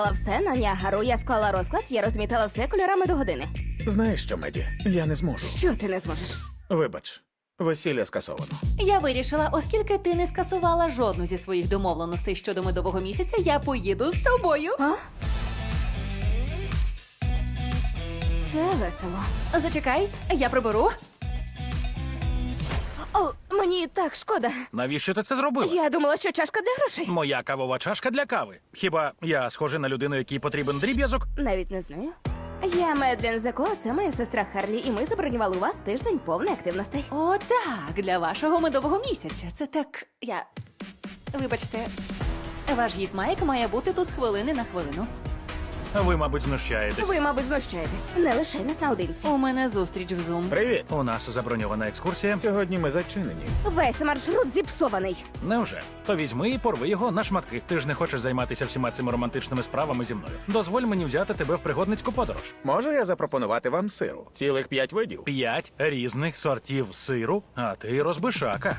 все на Ніагару, я склала розклад, я розмітила все кольорами до години. Знаєш що, Меді? Я не зможу. Що ти не зможеш? Вибач, весілля скасовано. Я вирішила, оскільки ти не скасувала жодну зі своїх домовленостей щодо медового місяця, я поїду з тобою. А? Це весело. Зачекай, я приберу. О, мені так шкода. Навіщо ти це зробила? Я думала, що чашка для грошей. Моя кавова чашка для кави. Хіба я схожий на людину, якій потрібен дріб'язок? Навіть не знаю. Я Медлен Зеко, це моя сестра Харлі, і ми забронювали у вас тиждень повний активностей. О, так, для вашого медового місяця. Це так. Вибачте, ваш гід Майк має бути тут з хвилини на хвилину. Ви, мабуть, знущаєтесь. Ви, мабуть, знущаєтесь. Не лише нас наодинці. У мене зустріч в Zoom. Привіт! У нас заброньована екскурсія. Сьогодні ми зачинені. Весь маршрут зіпсований. Невже? То візьми і порви його на шматки. Ти ж не хочеш займатися всіма цими романтичними справами зі мною. Дозволь мені взяти тебе в пригодницьку подорож. Можу я запропонувати вам сиру? Цілих 5 видів. 5 різних сортів сиру, а ти розбишака.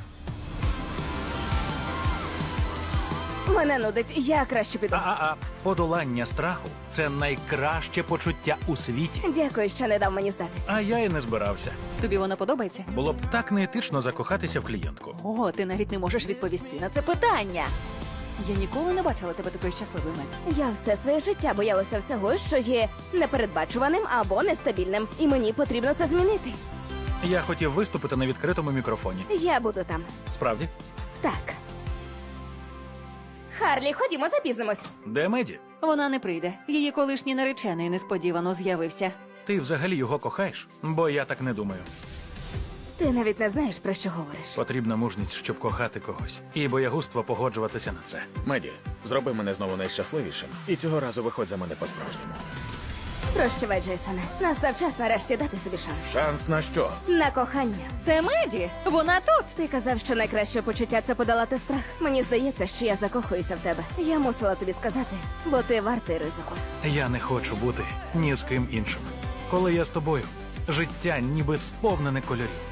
Мене нудить, я краще піду. Подолання страху – це найкраще почуття у світі. Дякую, що не дав мені здатися. А я і не збирався. Тобі вона подобається? Було б так неетично закохатися в клієнтку. О, ти навіть не можеш відповісти на це питання. Я ніколи не бачила тебе такою щасливою, Мець. Я все своє життя боялася всього, що є непередбачуваним або нестабільним. І мені потрібно це змінити. Я хотів виступити на відкритому мікрофоні. Я буду там. Справді? Так. Харлі, ходімо, запізнимось. Де Меді? Вона не прийде. Її колишній наречений несподівано з'явився. Ти взагалі його кохаєш? Бо я так не думаю. Ти навіть не знаєш, про що говориш. Потрібна мужність, щоб кохати когось. І боягузтво погоджуватися на це. Меді, зроби мене знову найщасливішим. І цього разу виходь за мене по-справжньому. Прощавай, Джейсоне. Настав час нарешті дати собі шанс. Шанс на що? На кохання. Це Меді! Вона тут! Ти казав, що найкраще почуття – це подолати страх. Мені здається, що я закохуюся в тебе. Я мусила тобі сказати, бо ти вартий ризику. Я не хочу бути ні з ким іншим. Коли я з тобою, життя ніби сповнене кольорів.